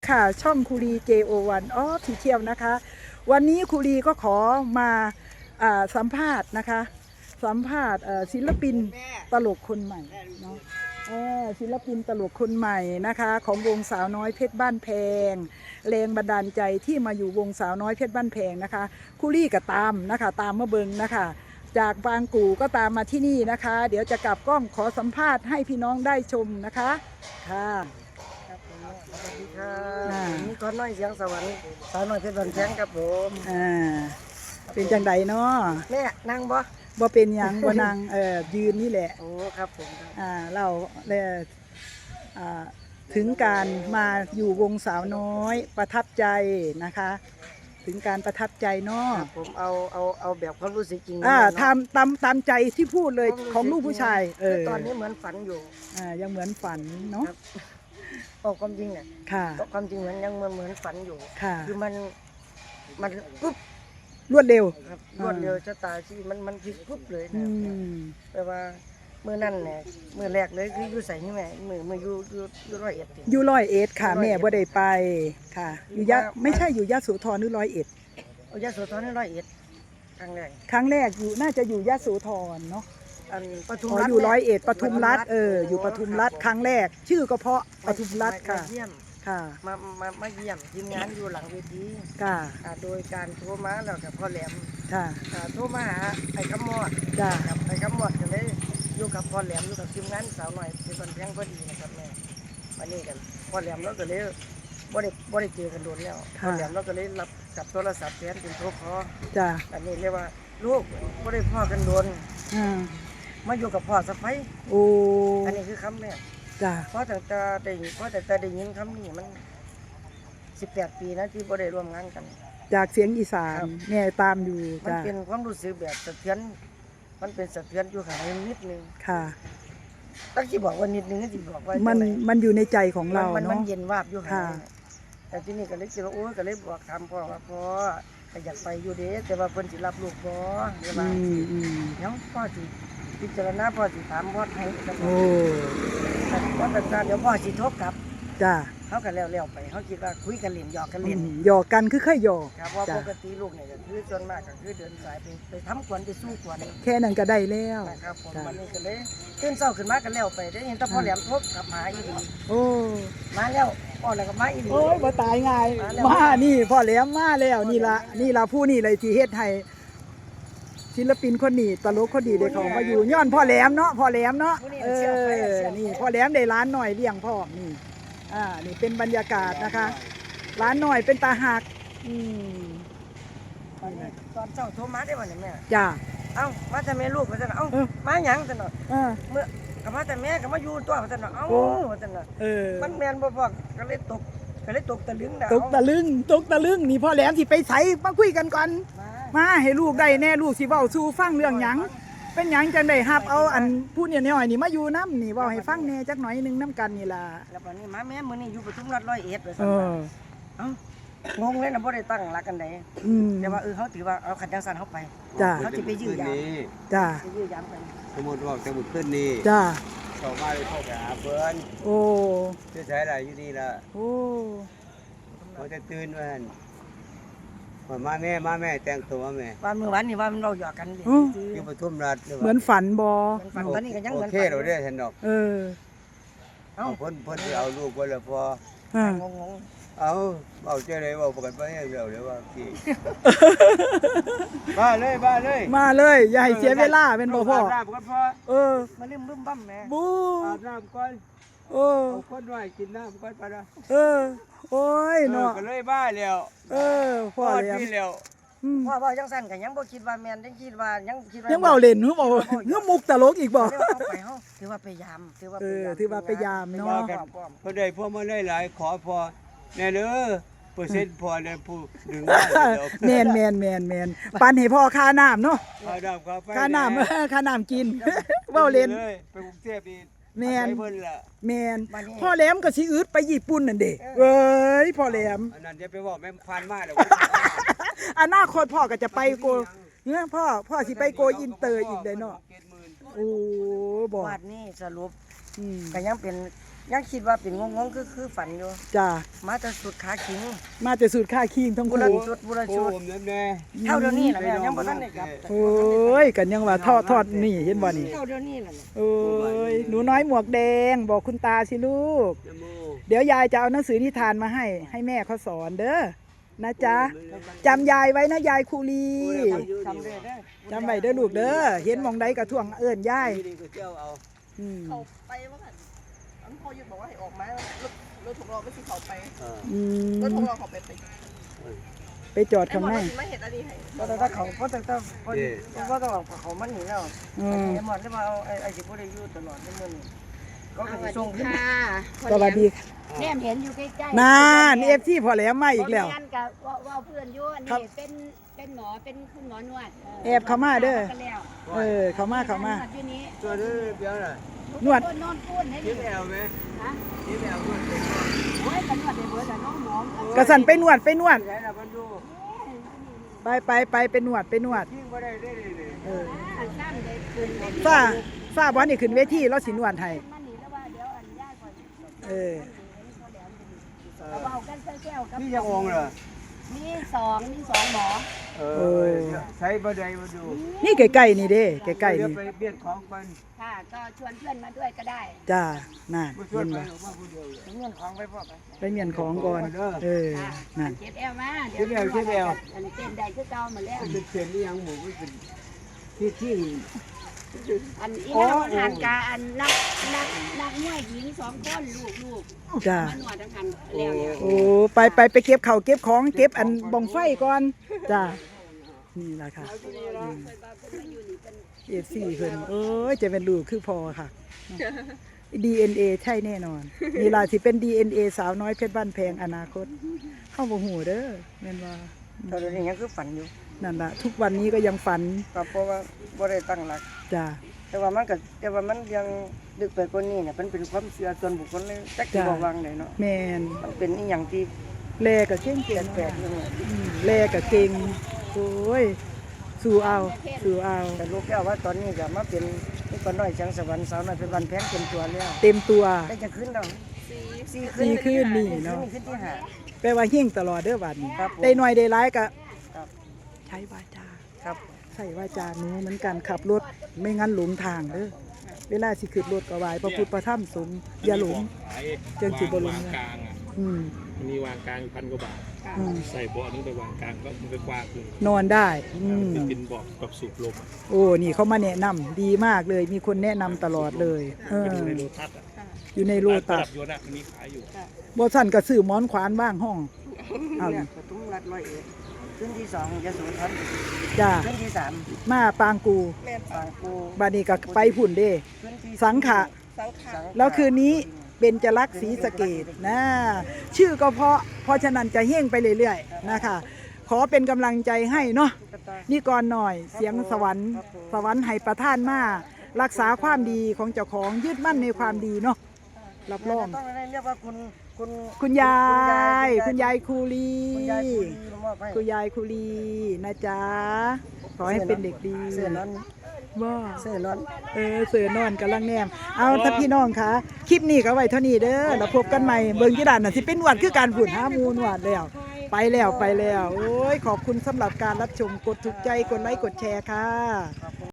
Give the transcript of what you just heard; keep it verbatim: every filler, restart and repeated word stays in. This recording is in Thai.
ค่ะช่องคูรี เจ โอ วัน ออฟฟิเชียลนะคะวันนี้คูรีก็ขอมาสัมภาษณ์นะคะสัมภาษณ์ศิลปินตลกคนใหม่เนาะศิลปินตลกคนใหม่นะคะของวงสาวน้อยเพชรบ้านแพงแรงบันดาลใจที่มาอยู่วงสาวน้อยเพชรบ้านแพงนะคะคูรีก็ตามนะคะตามมาเบิงนะคะจากบางกู่ก็ตามมาที่นี่นะคะเดี๋ยวจะกลับกล้องขอสัมภาษณ์ให้พี่น้องได้ชมนะคะค่ะสวัสดีครับนี่ก้อนน้อยเสียงสวรรค์สาวน้อยเพชรบ้านแพงครับผมอ่าเป็นจังไดเนาะแม่นั่งบ่บ่เป็นหยังบ่นั่งเอ่อยืนนี่แหละโอ้ครับผมอ่าเราเลยอ่าถึงการมาอยู่วงสาวน้อยประทับใจนะคะถึงการประทับใจเนาะผมเอาเอาเอาแบบความรู้สึกจริงอ่าทำตามตามใจที่พูดเลยของลูกผู้ชายเออตอนนี้เหมือนฝันอยู่อ่ายังเหมือนฝันเนาะเอาความจริงเนี่ยค่ะความจริงเหมือนยังเหมือนเหมือนฝันอยู่ค่ะคือมันมันปุ๊บรวดเร็วครับรวดเร็วชะตาชีวิตมันมันพลิกปุ๊บเลยนะแปลว่าเมื่อนั่นเนี่ยเมื่อแรกเลยคืออยู่ใส่นี่แม่เมื่อเมื่ออยู่อยู่อยู่ร้อยเอ็ดอยู่ร้อยเอ็ดค่ะแม่บ่ได้ไปค่ะอยู่ยะไม่ใช่อยู่ยะโสธรหรือร้อยเอ็ดยะโสธรนี่ร้อยเอ็ดครั้งแรกครั้งแรกอยู่น่าจะอยู่ยะโสธรเนาะอันปทุมรัฐอยู่ร้อยเอ็ดปทุมรัฐเอออยู่ปทุมรัฐครั้งแรกชื่อก็เพราะปทุมรัฐค่ะค่ะมามามาเยี่ยมทีมงานอยู่หลังเวทีค่ะโดยการโทรมาแล้วกับพ่อแหลมค่ะโทรมาหาไอ้ขมอดจ้าครับไอ้ขมอดกันเลยอยู่กับพ่อแหลมอยู่กับทีมงานสาวหน่อยเป็นคนแพงพอดีนะครับแม่วันนี้กันพ่อแหลมเราก็เลยบ่ได้บ่ได้เจอกันโดนแล้วพ่อแหลมเราก็เลยรับกับโทรศัพท์แทนเป็นโทรคอจ้าอันนี้เรียกว่าลูกบ่ได้พ่อกันโดนมาอยู่กับพ่อสะใภ้โอ้อันนี้คือคำแรกจ้าเพราะแต่แต่ได้เพราะแต่แต่ได้ยินคำนี้มันสิบแปดปีนะที่บ่ได้ร่วมงานกันจากเสียงอีสานแม่ตามอยู่มันเป็นความรู้สึกแบบสะเทือนมันเป็นสะเทือนอยู่ข้างในนิดนึงค่ะตั้งที่บอกว่านิดนึงที่บอกว่ามันมันอยู่ในใจของเราเนาะมันเย็นวาบอยู่ค่ะแต่ที่นี่ก็เลยคิดว่าโอ้ก็เลยบอกคำพ่อว่าพ่อก็อยากไปอยู่เด้แต่ว่าเพิ่นสิรับลูกบ่เดี๋ยวว่าเดี๋ยวพ่อสิพิจารณาพ่อสิถามพ่อให้โอ้พ่อแต่เดี๋ยวพ่อสิโทรกลับจ้าเขากันแล้วๆไปเขาคิดว่าคุยกันเล่นหยอกกันเล่นหยอกกันคือเคยหยอกครับว่าปกติลูกเนี่ยก็คือส่วนมากก็คือเดินสายไปไปทำกวนไปสู้กวนแค่นั้นก็ได้แล้วนะครับผมวันนี้ก็เลยตื่นเช้าขึ้นมากันแล้วไปได้เห็นแต่พ่อแหลมทบกับหมาอีดีโอ้มาแล้วพ่อแล้วก็มาอีดีโอ้ยบ่ตายง่ายมานี่พ่อแหลมมาแล้วนี่ละนี่ละผู้นี่เลยที่เฮ็ดให้ศิลปินคนนี้ตลกคนดีได้เขามาอยู่ย้อนพ่อแหลมเนาะพ่อแหลมเนาะเออนี่พ่อแหลมได้ร้านหน่อยเลี้ยงพ่อนี่อ่านี่เป็นบรรยากาศนะคะร้านหน่อยเป็นตาหักอืมตอนเช้าโทรมาได้วันนี้แม่จ้าเอ้ามาแต่แม่ลูกมาแต่เอ้ามาหยังแต่เนาะเมื่อกับมาแต่แม่กับมาอยู่ตัวมาแต่เนาะเอ้ามาแต่เนาะมันแมนบ่พอก็เลยตกก็เลยตกตะลึงตกตะลึงตกตะลึงนี่พ่อแหลมสิไปไสมาคุยกันก่อนมาให้ลูกได้แน่ลูกสิเว้าสู่ฟังเรื่องหยังเป็นหยังจังได้ฮับเอาอันพูดเนี่ยน้อยนี่มาอยู่น้ำนี่เว้าให้ฟังแน่จักหน่อยนึงน้ำกันนี่ล่ะแล้ววันนี้มาแม่มื้อนี้อยู่ปทุมรัฐร้อยเอ็ดเลยซั่นเอ้างงเลยนะบ่ได้ตั้งหลักกันไดแต่ว่าเออเฮาถือว่าเอาขันจังซั่นเฮาไปจ้าเฮาสิไปยื้อยามจ้าสิยื้อยามกันสมมุติว่าจะหมดขึ้นนี่จ้าเข้ามาเลยเข้าไปหาเพิ่นโอ้จะใช้อะไรอยู่นี่ล่ะโอ้เขาจะตื่นว่าว่ามาแม่มาแม่แต่งตัวมาแม่วันเมื่อวานนี่ว่ามันเราหยอกกันอยู่ปทุมรัฐเหมือนฝันบ่ฝันตอนนี้ก็ยังเหมือนโอเคเราได้เห็นดอกเออเอาเพิ่นเพิ่นสิเอาลูกไว้แล้วพองงงเอาเอาเจ้าได้เว้าประกันบ่ให้แล้วเลยว่าพี่มาเลยมาเลยมาเลยอย่าให้เสียเวลาเป็นบ่พ่อน้ำก่อนพ่อเออมาลืมบึ้มบั้มแม่บูอาบน้ำก่อนเออเอาคนน้อยกินน้ำก่อนไปนะเออโอ้ยเนาะก็เลยบ้าแล้วเออพ่อแล้วพ่อพ่อยังสั่นกันยังบ่คิดว่าแม่นยังคิดว่ายังคิดว่ายังเบาเล่นฮึบ่ฮึมุกตลกอีกบ่ไปเฮาถือว่าไปยามถือว่าเออถือว่าไปยามเนาะพอได้พอมาได้หลายขอพอแน่เด้อเปอร์เซ็นต์พอได้ผู้ดึงแม่นแม่นแม่นแม่นปันให้พ่อค่าน้ำเนาะค่าน้ำครับค่าน้ำค่าน้ำกินเว้าเล่นไปกรุงเทพนี่แม่นแม่นพ่อแหลมก็สิอึดไปญี่ปุ่นนั่นเด้เอ้ยพ่อแหลมอันนั้นจะไปบอกแม่พันมาแล้วอนาคตพ่อก็จะไปโกเนี่ยพ่อพ่อสิไปโกอินเตอร์อีกได้เนาะโอ้บอกวัดนี้สรุปก็ยังเป็นยังคิดว่าเป็นงงๆคือคือฝันอยู่จ้ามาแต่สุดขาขิงมาแต่สูตรค่าคิงทั้งบุคู่รชุดบุรโอ้ชุดผมนั่นแน่เท่าเดี๋ยวนี้ล่ะแม่ยังบ่ทันได้กลับโอ้ยกันยังว่าทอดทอดนี่เห็นบ่นี่เท่าเดี๋ยวนี้ล่ะโอ้ยหนูน้อยหมวกแดงบอกคุณตาสิลูกนะโมเดี๋ยวยายจะเอาหนังสือนิทานมาให้ ให้แม่เขาสอนเด้อนะจ๊ะจำยายไว้นะยายคูลีจำได้เด้อจำไว้เด้อลูกเด้อเห็นหมองใดกระท่วงเอิ้นยายนี่ก็เจ้าเอาอืมเขาไปว่ากันอันพ่อยุดบอกว่าให้ออกมารถรถถูกรอไม่สิเขาไปเอออืรถถูมกรอเขาไปไปไปจอดข้างในไม่เห็นอันนี้ให้เพราะแต่ถ้าเขาเพราะแต่ถ้าเพราะเพราะต้องเอาเขามันหนีแล้วอืมไอ้หมดได้มาเอาไอ้ไอ้ที่บ่ได้อยู่ตลอดในมื้อนี้ก็คือส่งขึ้นสวัสดีแนมเห็นอยู่ใกล้นานเอฟที่พอแหล้วมาอีกแล้วบ่ม่นกับว่าว่าเพื่อนอยู่อันครันี้บเป็นเป็นหมอเป็นคุณหมอนวดแอบเข้ามาเด้อกันแล้วเออเขามาเขามานวดอยู่นี้ตัวนี้เบี้ยน่ะนวดนอนพูนให้คิดีดแอวไหมฮะคิดแอวด้วยเด็กโอ้ยกันนวดได้เบิดแต่น้องหมอกระสันไปนวดไปนวดไหนล่ะมันดูไปไปไปไปนวดไปนวดยิ่งบ่ได้ได้เลยเอออ่าซ้ำได้คืนได้ฝ้าฝ้าบอลนี่ขึ้นเวทีเราสินวดให้มันนี่แล้วว่าเดี๋ยวอันยากก่อนเออเราเอากันแก้วๆกับนี่ยังองเหรอมีสองมีสองหมอเออใช้บ่ได้มาดูนี่ใกล้ๆนี่เด้ใกล้ๆเดี๋ยวนี่ไปเบียดของกันค่ะก็ชวนเพื่อนมาด้วยก็ได้จ้าน่ะมาช่วยเห็นไปบ่ออกมาผู้เดียวเลยเงินของไปพ่อไปไปเมียนของก่อนเออค่ะนั่นเก็บแอลมาเก็บแอวเก็บแอวอันนี้เต้นได้คือเก่าหมดแล้วมันเป็นเศษนี่ยังหมูมันเป็นที่ที่อันอีนางหันกาอันนักนักนักมวยหญิงสองคนลูกลูกจ้ามาหนวดทั้งคันแล้วเนี่ยโอ้ไปไปไปเก็บข้าวเก็บของเก็บอันบ่งไฟก่อนจ้านี่ล่ะค่ะเอฟซีเพิ่นเอ้ยจะเป็นลูกคือพอค่ะ ดี เอ็น เอ ใช่แน่นอนนี่ล่ะสิเป็น ดี เอ็น เอ สาวน้อยเพชรบ้านแพงอนาคตเข้าบ่ฮู้เด้อแม่นว่าเท่าเดี๋ยวนี้ยังคือฝันอยู่นั่นล่ะทุกวันนี้ก็ยังฝันก็เพราะว่าบ่ได้ตั้งหลักจ้าแต่ว่ามันก็แต่ว่ามันยังดึกไปกว่านี้เนี่ยมันเป็นความเชื่อส่วนบุคคลเลยจักสิบ่วางได้เนาะแม่นมันเป็นอีหยังที่แลก็เก่งเปลี่ยนๆแปลกอยู่เนี่ยอืมแลก็เก่งโอ้ยสู้เอาสู้เอาแต่ลูกแก้วว่าตอนนี้ก็มาเป็นนี่ก็น้อยจังสวรรค์สาวน้อยเป็นวันแพงเป็นตัวแล้วเต็มตัวได้จะขึ้นแล้วสี่สี่คืนนี่เนาะขึ้นที่ห้าแปลว่าเฮงตลอดเด้อบัดนี้ครับผมได้หน่อยได้ร้ายก็ครับใช้วาจาครับใส่วาจาหนูเหมือนกันขับรถไม่งั้นหลงทางเด้อเวลาสิขึ้นรถก็ไหว้พระพุทธพระธรรมสงฆ์อย่าหลง เจิงสิบ่ลงวางกลางอ่ะอืมมันมีวางกลางอยู่พันกว่าบาทอืมใส่เบาะนึงไปวางกลางก็มันก็กว้างขึ้นนอนได้อืมจะเป็นเบาะแบบสูบลมอะโอ้นี่เขามาแนะนำดีมากเลย มีคนแนะนำตลอดเลยเออเป็นในโลทัศน์อ่ะอยู่ในโลตัระสดับยนต์อ่ะมันมีขายอยู่บ่สั่นก็ซื้อหมอนขวานบ้างห้องเอาเนี่ยประตูรัดร้อยเอ็ดขึ้นที่สองยโสธรจ้าขึ้นที่สามมาปางกูปางกูบาดนี้ก็ไปผุ่นเด้ขึ้นที่สังขะสังขารแล้วคืนนี้เบญจลักษณ์ศรีสะเกดนะชื่อก็เพราะเพราะฉะนั้นจะเฮ่งไปเรื่อยๆนะคะ ขอเป็นกำลังใจให้เนาะนี่ก่อนหน่อยเสียงสวรรค์สวรรค์ให้ประท่านมารักษาความดีของเจ้าของยึดมั่นในความดีเนาะรับรองต้องได้เรียกว่าคุณคุณคุณยาย คุณยายคูลีคุณยายคูลีมอบให้คุณยายคูลีนะจ๊ะขอให้เป็นเด็กดีเสื้อนอนว่าเสื้อนอนเออเสือนอนกำลังแนม เอาถ้าพี่น้องคะคลิปนี้ก็ไว้เท่านี้เด้อแล้วพบกันใหม่เบิ่งที่ด่านน่ะสิเป็นหวัดคือการฝุ่นหามูลหวัดแล้ว ไปแล้วไปแล้ว โอ้ย ขอบคุณสำหรับการรับชมกดถูกใจกดไลค์กดแชร์ค่ะ